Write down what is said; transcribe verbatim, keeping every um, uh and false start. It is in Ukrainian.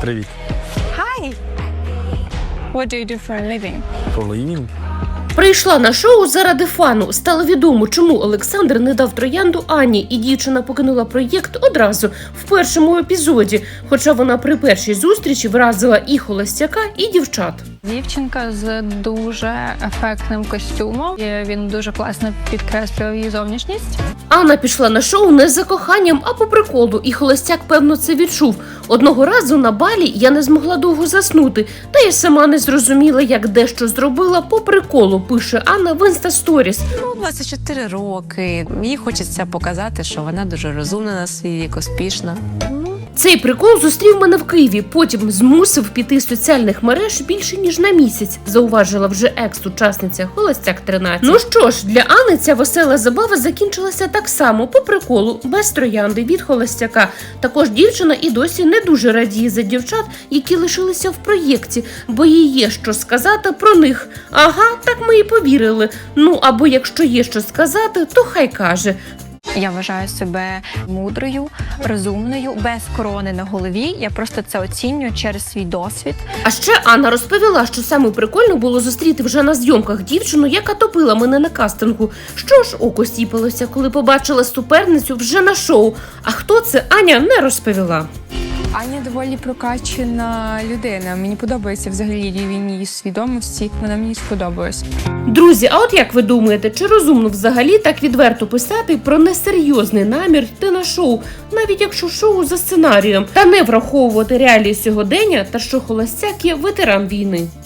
Привіт. Hi. What do you do for a living? For living? Прийшла на шоу заради фану. Стало відомо, чому Олександр не дав троянду Ані, і дівчина покинула проєкт одразу, в першому епізоді, хоча вона при першій зустрічі вразила і холостяка, і дівчат. Дівчинка з дуже ефектним костюмом. І він дуже класно підкреслював її зовнішність. Анна пішла на шоу не за коханням, а по приколу, і холостяк, певно, це відчув. Одного разу на балі я не змогла довго заснути, та й сама не зрозуміла, як дещо зробила по приколу, пише Анна в інстасторіс. Ну, двадцять чотири роки. Їй хочеться показати, що вона дуже розумна на свій вік, успішна. Цей прикол зустрів мене в Києві, потім змусив піти з соціальних мереж більше ніж на місяць, зауважила вже екс-учасниця Холостяк тринадцять. Ну що ж, для Анни ця весела забава закінчилася так само, по приколу, без троянди від холостяка. Також дівчина і досі не дуже радіє за дівчат, які лишилися в проєкті, бо їй є що сказати про них. Ага, так ми і повірили. Ну, або якщо є що сказати, то хай каже. Я вважаю себе мудрою, розумною, без корони на голові. Я просто це оцінюю через свій досвід. А ще Анна розповіла, що саме прикольно було зустріти вже на зйомках дівчину, яка топила мене на кастингу. Що ж, око сіпалося, коли побачила суперницю вже на шоу. А хто це, Аня не розповіла. Аня доволі прокачена людина. Мені подобається взагалі рівень її свідомості. Вона мені сподобалась. Друзі, а от як ви думаєте, чи розумно взагалі так відверто писати про несерйозний намір йти на шоу, навіть якщо шоу за сценарієм, та не враховувати реалії сьогодення та що холостяк є ветеран війни?